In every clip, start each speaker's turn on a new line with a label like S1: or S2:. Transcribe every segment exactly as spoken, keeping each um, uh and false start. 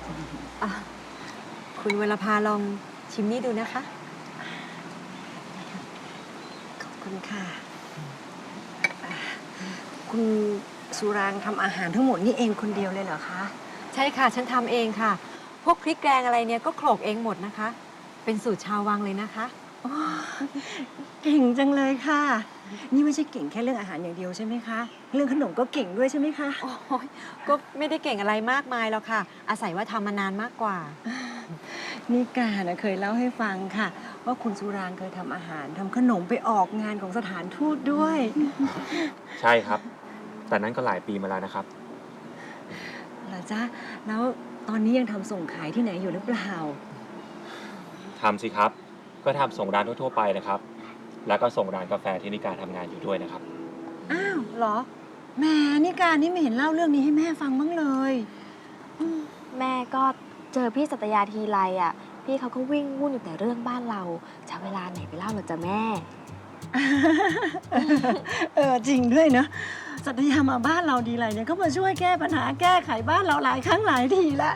S1: อ่ะคุณวรภาลองชิมนี่ดูนะคะ
S2: ขอบคุณค่ะ คุณสุรางทำอาหารทั้งหมดนี่เองคนเดียวเลยเหรอคะ
S1: ใช่ค่ะ ฉันทำเองค่ะ พวกพริกแกงอะไรเนี่ยก็โขลกเองหมดนะคะ เป็นสูตรชาววังเลยนะคะ
S2: เก่งจังเลยค่ะ นี่ไม่ใช่เก่งแค่เรื่องอาหารอย่างเดียวใช่ไหมคะ เรื่องขนมก็เก่งด้วยใช่ไหมคะ
S1: โอ้ยก็ไม่ได้เก่งอะไรมากมายหรอกค่ะ อาศัยว่าทำมานานมากกว่า
S2: นี่กานะเคยเล่าให้ฟังค่ะ ว่าคุณสุรางเคยทำอาหารทำขนมไปออกงานของสถานทูตด้วย
S3: ใช่ครับ แต่นั้นก็หลายปีมาแล้วนะครับ
S2: เหรอจ๊ะ แล้วตอนนี้ยังทำส่งขายที่ไหนอยู่หรือเปล่า
S3: ทำสิครับ ก็ทำส่งร้านทั่วๆไปนะครับ แล้วก็ส่งร้านกาแฟที่นิการทำงานอยู่ด้วยนะครับ
S2: อ้าวเหรอแหม่นี่การนี่ไม่เห็นเล่าเรื่องนี้ให้แม่ฟังบ้างเลย
S4: แม่ก็เจอพี่สัตยาทีไรอ่ะ พี่เขาก็วิ่งวุ่นอยู่แต่เรื่องบ้านเราจะเวลาไหนไปเล่าหรอจ๊ะแม่
S2: เออจริงด้วยเนอะสัตยามาบ้านเราดีไรเนี่ยก็มาช่วยแก้ปัญหาแก้ไขบ้านเราหลายครั้งหลายทีละ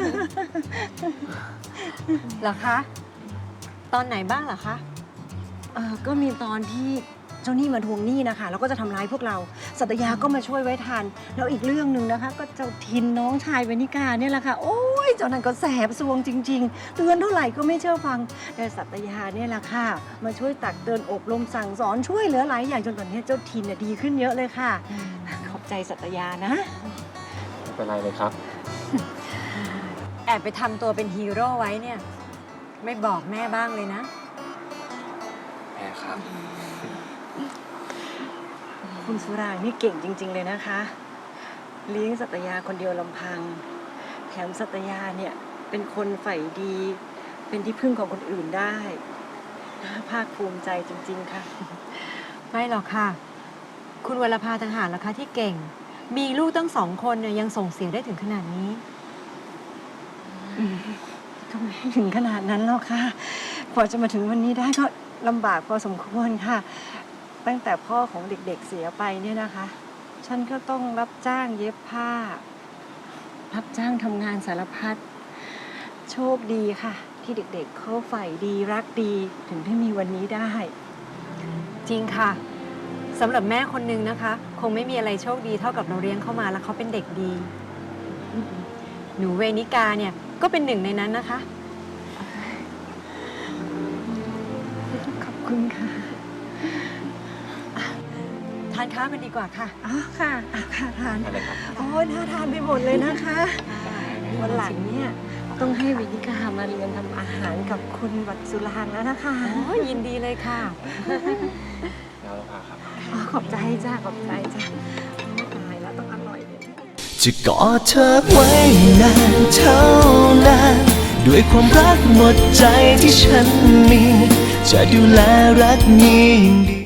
S1: เหรอคะ ตอนไหนบ้างเหรอคะ
S2: เออก็มีตอนที่เจ้าหนี้มาทวงหนี้นะคะแล้วก็จะทำร้ายพวกเรา สัตยาก็มาช่วยไว้ทัน แล้วอีกเรื่องหนึ่งนะคะ ก็เจ้าทินน้องชายเวนิกาเนี่ยแหละค่ะ โอ้ยเจ้านั้นก็แสบซวงจริง ๆ เตือนเท่าไหร่ก็ไม่เชื่อฟัง แต่สัตยาเนี่ยแหละค่ะ มาช่วยตักเตือนอบรมสั่งสอนช่วยเหลือหลายอย่างจนตอนนี้เจ้าทินน่ะดีขึ้นเยอะเลยค่ะ ขอบใจสัตยานะ
S3: ไม่เป็นไรเลยครับ
S1: แอบไปทำตัวเป็นฮีโร่ไว้เนี่ย ไม่บอกแม่บ้างเลยนะ
S3: แม่ครับ
S2: คุณสุรางนี่เก่งจริง ๆ เลยนะคะ เลี้ยงสัตยาคนเดียวลำพัง แถมสัตยาเนี่ยเป็นคนใฝ่ดี เป็นที่พึ่งของคนอื่นได้น่าภาคภูมิใจจริง ๆ ค่ะ
S1: ไม่หรอกค่ะ คุณวรภาต่างหากล่ะคะที่เก่ง มีลูกตั้งสองคนเนี่ยยังส่งเสียได้ถึงขนาดนี้
S2: ก็ไม่ถึงขนาดนั้นหรอกค่ะกว่าจะมาถึงวันนี้ได้ก็ลำบากพอสมควรค่ะ ตั้งแต่พ่อของเด็กๆเสียไปเนี่ยนะคะ ฉันก็ต้องรับจ้างเย็บผ้า รับจ้างทำงานสารพัด โชคดีค่ะ ที่เด็กๆเขาใฝ่ดีรักดีถึงได้มีวันนี้ได้
S1: จริงค่ะสำหรับแม่คนนึงนะคะ คงไม่มีอะไรโชคดีเท่ากับเราเลี้ยงเข้ามาแล้วเขาเป็นเด็กดี หนูเวนิกาเนี่ยก็เป็นหนึ่งในนั้นนะคะ
S2: ขอบคุณค่ะ
S1: ทานข้าวกันดีกว่าค่ะ
S2: อ๋อค่ะอ่ะค่ะทาน
S3: อะไรครับ
S2: โอ้ยน่าทานไปหมดเลยนะคะวันหลังเนี่ยต้องให้วินิกามาเรียนทำอาหารกับคุณวัดสุรางแล้วนะคะ
S1: โอ้ยยินดีเลยค่ะ
S3: แล้วเราพาครับ
S2: อ๋อขอบใจจ้าขอบใจจ้าตายแล้วต้องอร่อยเลย
S5: จะกอดเธอไว้นานเท่านานด้วยความรักหมดใจที่ฉันมี จะดูแลรักนี้อย่างดี